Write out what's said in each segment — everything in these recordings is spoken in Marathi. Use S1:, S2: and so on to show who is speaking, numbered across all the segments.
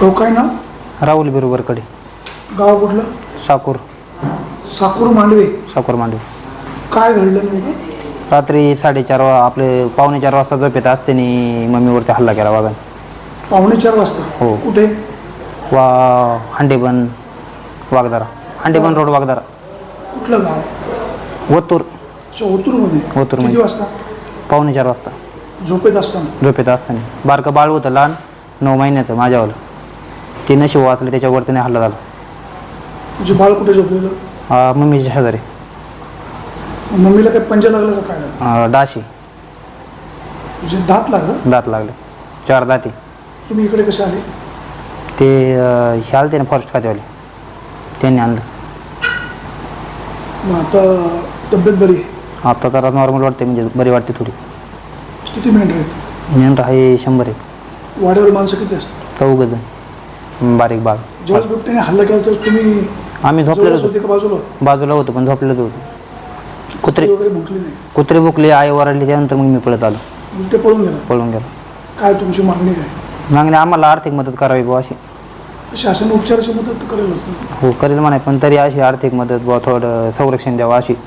S1: तो काय नाव?
S2: राहुल बिरुवरकडे.
S1: गाव कुठलं?
S2: साकूर.
S1: साकूर मांडवे.
S2: साकूर मांडवे.
S1: काय घडलं नेमकं?
S2: रात्री 4:30 आपले 4:45 वाजता झोपेत असताना मम्मीवरती हल्ला केला वाघाने.
S1: 4:45 वाजता?
S2: हो.
S1: कुठे?
S2: हंडेबन वाघदारा. हंडेबन रोड वाघदारा.
S1: कुठलं गाव?
S2: ओतूर.
S1: ओतूरमध्ये?
S2: ओतूरमध्ये.
S1: किती वाजता?
S2: 4:45 वाजता
S1: झोपेत असताना?
S2: झोपेत असताना. बारकं बाळ होतं लहान 9 महिन्याचं माझ्यावालं. ते नशीब वाचलं, त्याच्यावरती नाही हल्ला झाला.
S1: म्हणजे बाळ कुठे झोपलेलं?
S2: मम्मीच्या शेजारी.
S1: मम्मीला काही पंजा लागला का काय लागलं?
S2: डाशी.
S1: म्हणजे दात लागला?
S2: दात लागले 4 दाती.
S1: तुम्ही इकडे कसे आले?
S2: ते हे आले ते ना फॉरेस्ट खात्यावाले, त्यांनी आणलं.
S1: मग आता तब्येत बरी आहे?
S2: आता तर नॉर्मल वाटते, म्हणजे बरी वाटते थोडी.
S1: किती मेंढर आहेत?
S2: मेंढर आहे 100 आहे.
S1: वाड्यावर माणसं किती असतात?
S2: 4 जण. बारीक बाळ.
S1: ज्यावेळेस बिबट्याने हल्ला केला त्यावेळेस तुम्ही
S2: आम्ही झोपलेलो
S1: होते का बाजूला होते?
S2: बाजूला होतो, पण झोपलेलो होतो. कुत्रे
S1: वगैरे भुंकली नाही?
S2: कुत्रे भुकले, आई ओरडली, त्यानंतर मग मी पळत आलो.
S1: बिबटे पळून गेला?
S2: पळून गेलो.
S1: काय तुमची मागणी काय?
S2: मागणी आम्हाला आर्थिक मदत करावी बुवा अशी.
S1: शासन उपचाराची मदत तर करेलच ना?
S2: हो करेल म्हणाय, पण तरी अशी आर्थिक मदत बुवा, थोडं संरक्षण द्यावं अशी.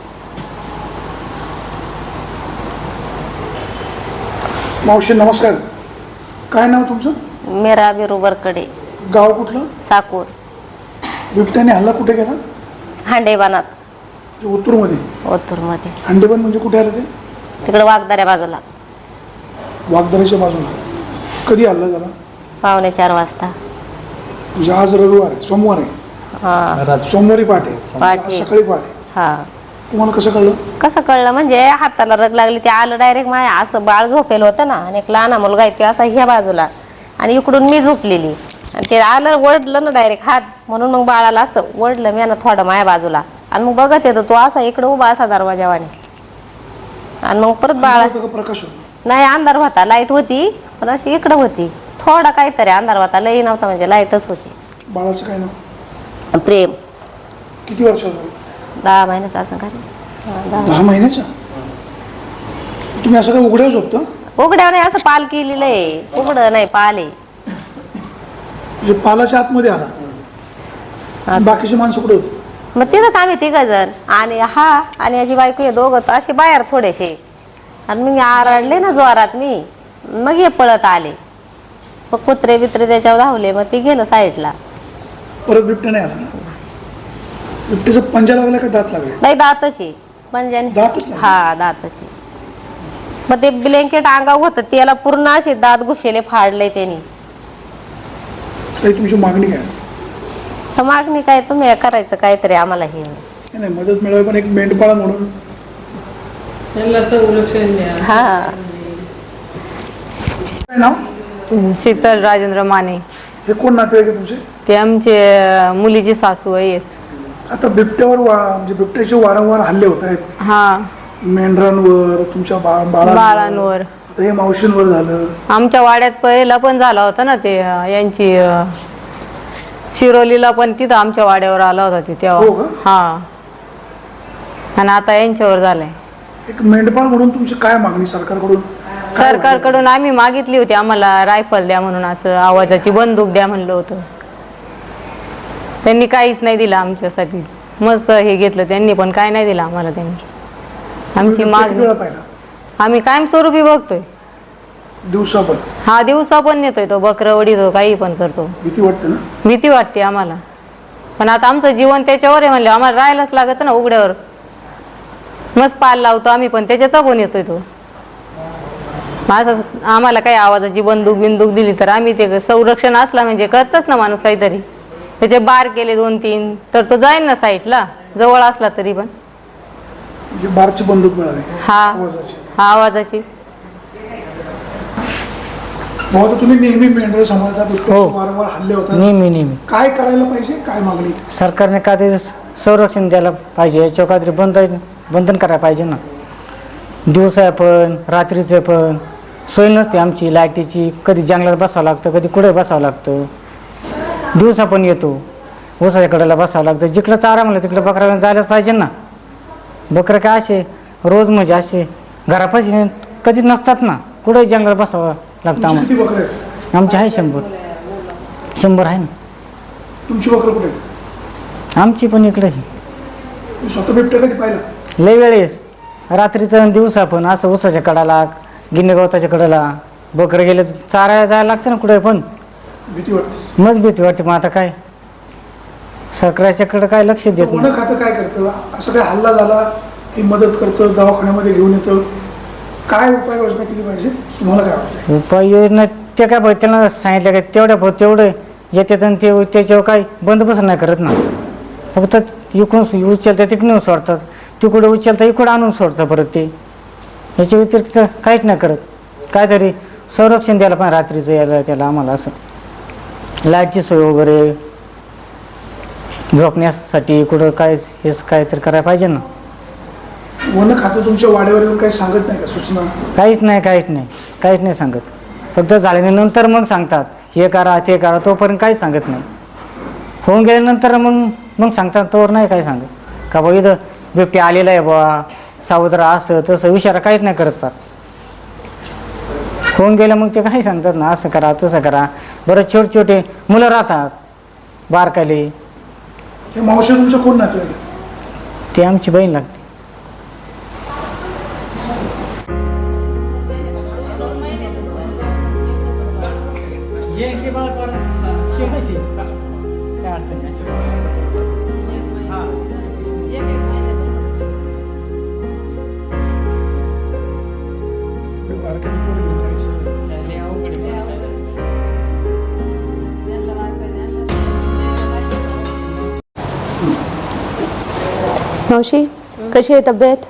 S1: मावशी नमस्कार. काय नाव तुमचं?
S3: मीरा बिरुवरकडे.
S1: गाव कुठलं?
S3: साकूर.
S1: बिबट्याने हल्ला कुठे केला?
S3: हांडेबानात.
S1: ओतूरमध्ये?
S3: ओतूरमध्ये.
S1: हंडेबन म्हणजे कुठे आलं ते?
S3: तिकडे वाघदाऱ्या बाजूला.
S1: वाघदाऱ्याच्या बाजूला. कधी हल्ला झाला?
S3: 4:45 वाजता.
S1: म्हणजे आज रविवार आहे, सोमवार आहे?
S3: हां.
S1: सोमवारी पहाटे?
S3: पहाटे.
S1: सकाळी पहाटे?
S3: हां.
S1: तुम्हाला कसं कळलं?
S3: कसं कळलं म्हणजे हाताला रग लागली, ते आलं डायरेक्ट माया. असं बाळ झोपेल होतं ना, आणि एक लहान मुलगा आहे ते असा ह्या बाजूला, आणि इकडून मी झोपलेली, आणि ते आलं ओढलं ना डायरेक्ट हात, म्हणून मग बाळाला असं ओढलं मी ना थोडं माया बाजूला, आणि मग बघत येतो तो असा इकडं उभा असा दरवाजावाने, आणि मग परत बाळा.
S1: प्रकाश होता?
S3: नाही, अंधार होता. लाईट होती पण अशी इकडं होती, थोडा काहीतरी अंधार होता, लई नव्हता, म्हणजे लाईटच होती.
S1: बाळाचं काय नाव?
S3: प्रेम.
S1: किती वर्षाचं?
S3: 10 महिन्याचा असं काय?
S1: 10 महिन्याचा? तुम्ही असं काय उघड्यावर झोपता?
S3: उघड्यावर नाही, असं पाल केलेलं आहे. उघडं नाही, पाल आहे.
S1: म्हणजे पालाच्या आतमध्ये आला? बाकीची माणसं कुठे होती?
S3: मग तिथंच आम्ही 3 जण, आणि हा आणि याची बायको, हे दोघं असे बाहेर थोडेसे, आणि मग आरडले ना जोरात मी, मग हे पळत आले. मग कुत्रे बित्रे त्याच्यावर धावले, मग ते गेलं साईडला.
S1: परत बिबट्या नाही आला ना? बिबट्याचा पंजा लागला का दात लागले?
S3: नाही, दातची पंजाने.
S1: दातच लागले?
S3: हा, दातची. मग ते ब्लँकेट अंगावर होतं, त्याला पूर्ण असे दात घुसेले, फाडले त्यांनी.
S1: काही तुमची मागणी काय?
S3: तर मागणी काय, तुम्ही करायचं काहीतरी आम्हाला. हे
S1: नाही, मदत मिळावी, पण एक मेंढपाळ म्हणून
S4: संरक्षण द्या.
S3: हा.
S1: काय नाव?
S4: शीतल राजेंद्र माने.
S1: हे कोण नातेवाईक आहे तुमचे?
S4: ते आमचे मुलीची सासू आहेत.
S1: आता बिबट्यावर म्हणजे बिबट्याचे वारंवार हल्ले होत आहेत.
S4: हा,
S1: मेंढरांवर, तुमच्या
S4: बाळांवर.
S1: आता हे मावशींवर झालं.
S4: आमच्या वाड्यात पहिला पण झाला होता ना, ते यांची शिरोलीला पण तिथं आमच्या वाड्यावर आला होता ते
S1: हो
S4: तेव्हा.
S1: का?
S4: हा, आणि आता यांच्यावर झालंय.
S1: एक मेंढपाळ म्हणून तुमची काय मागणी सरकारकडून?
S4: सरकारकडून आम्ही मागितली होती, आम्हाला रायफल द्या म्हणून, असं आवाजाची बंदूक द्या म्हणलं होतं. त्यांनी काहीच नाही दिलं आमच्यासाठी. मस्त हे घेतलं त्यांनी, पण काय नाही दिलं आम्हाला त्यांनी. आमची मागणी आम्ही कायमस्वरूपी बघतोय.
S1: दिवसा पण?
S4: हा, दिवसा पण नेतोय तो, बकरं वडीतो, काही पण करतो.
S1: भीती वाटते ना?
S4: भीती वाटते आम्हाला, पण आता आमचं जीवन त्याच्यावर आहे म्हणलं, आम्हाला राहायलाच लागत ना उघड्यावर. मस्त पाल लावतो आम्ही, पण त्याच्यात पण येतोय तो. असं आम्हाला काही आवाजाची बंदूक बिंदूक दिली तर आम्ही ते संरक्षण असला म्हणजे करतच ना माणूस काहीतरी. त्याचे बार केले 2-3 तर तो जाईल ना साईडला, जवळ असला तरी पण.
S1: म्हणजे बारची बंदूक मिळाली?
S4: हा,
S1: आवाजाची?
S4: हा, आवाजाची.
S1: भाऊ, तुम्ही नेहमी मेंढर सांभाळता, बिबट्याचे वारंवार हल्ले होतात,
S5: नेहमी
S1: काय करायला पाहिजे, काय मागणी?
S5: सरकारने काहीतरी संरक्षण द्यायला पाहिजे, याच्यावर काहीतरी बंधन करायला पाहिजे ना. दिवसा पण रात्रीचं पण सोय नसते आमची लाईटीची. कधी जंगलात बसावं लागतं, कधी कुठे बसावं लागतं. दिवसा पण येतो, ऊसाच्या कडेला बसावं लागतं. जिकडं चारा म्हणलं तिकडं बकऱ्याला जायलाच पाहिजे ना. बकरं काय असे रोज म्हणजे असे घरापाशी कधीच नसतात ना, कुठेही जंगलात बसावं लागतं आम्हाला.
S1: किती बकरे आहेत?
S5: आमचे आहे 100. 100 आहे ना.
S1: तुमची बकरं कुठे आहेत?
S5: आमची पण इकडेच आहे.
S1: तुम्ही स्वतः बिबट्या कधी पाहिला?
S5: लय वेळेस रात्रीचं आणि दिवसा पण असं ऊसाच्या कडाला गिन्नी गवताच्या कडाला बकरं गेले चारायला जायला लागतं ना कुठे पण.
S1: भीती वाटते.
S5: मग भीती वाटते. मग आता काय सरकारच्याकडे काय लक्ष देत
S1: वन
S5: नाही.
S1: खातं काय करतं? असं काय हल्ला झाला की मदत करतं, दवाखान्यामध्ये घेऊन येतं, काय उपाययोजना केली पाहिजे तुम्हाला काय वाटतं?
S5: उपाययोजना ते काय पाहिजे त्यांना सांगितलं काय तेवढ्या तेवढे येतात आणि ते त्याच्यावर काय बंदोबस्त नाही करत ना. फक्त इकडून उचलतात तिकडून सोडतात, तिकडे उचलतात इकडं आणून सोडतात परत ते. याच्या व्यतिरिक्त काहीच नाही करत. काहीतरी संरक्षण द्यायला पण रात्रीचं यायला त्याला आम्हाला असं लाईटची सोय वगैरे झोपण्यासाठी कुठं काय हेच काहीतरी करायला पाहिजे ना.
S1: वन खातं तुमच्या वाड्यावर येऊन काही सांगत नाही का सूचना?
S5: काहीच नाही सांगत. फक्त झाल्यानंतर मग सांगतात हे करा ते करा, तोपर्यंत काहीच सांगत नाही. होऊन गेल्यानंतर मग सांगतात, तोवर नाही काय सांगत का बा इथं बिबट्या आलेला आहे बा सावध राहा असं तसं इशारा काहीच नाही करत. फार होऊन गेलं मग ते काही सांगतात ना असं करा तसं करा. बरं छोटे छोटे मुलं राहतात बारकाले,
S1: हे मावशी तुमच्या कोण नातेवाईक आहेत?
S5: ते आमची बहीण लागते.
S1: एवढी बारकाईने पोरं घेऊन जायचं.
S6: मावशी कशी आहे तब्येत?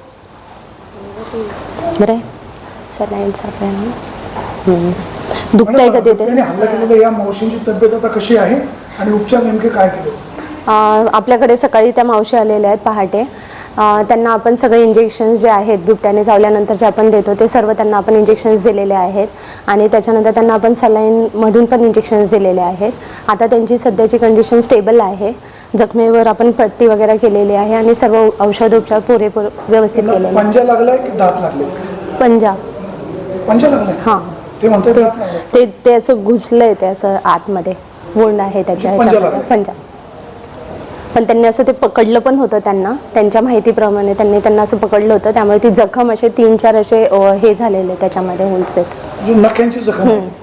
S6: बरं आहे. सलाईन चालू आहे ना. दुखतंय का तिथे?
S1: त्याने हल्ला केलेल्या या मावशींची तब्येत आता कशी आहे आणि उपचार नेमके काय केले?
S6: आपल्याकडे सकाळी त्या मावशी आलेल्या आहेत पहाटे. त्यांना आपण सगळे इंजेक्शन्स जे आहेत बिबट्याने चावल्यानंतर जे आपण देतो ते सर्व त्यांना आपण इंजेक्शन्स दिलेले आहेत आणि त्याच्यानंतर त्यांना आपण सलाईनमधून पण इंजेक्शन्स दिलेले आहेत. आता त्यांची सध्याची कंडिशन स्टेबल आहे. जखमेवर आपण पट्टी वगैरे केलेली आहे आणि सर्व औषधोपचार पुरेपूर व्यवस्थित केलेले आहेत.
S1: पंजा लागलाय की दात लागले?
S6: पंजा
S1: लागलाय.
S6: हां,
S1: ते म्हणतात दात लागलाय.
S6: ते असं घुसलंय, ते असं आतमध्ये वोंड आहे त्याच्या
S1: पंजा
S6: ह्याच्यामध्ये
S1: लागलाय.
S6: पंजा. पण त्यांनी असं ते पकडलं पण होतं. त्यांच्या माहितीप्रमाणे त्यांना असं पकडलं होतं, त्यामुळे ती जखम असे 3-4 असे हे झालेले त्याच्यामध्ये होल्स आहेत.
S1: नख्यांची जखम आहे.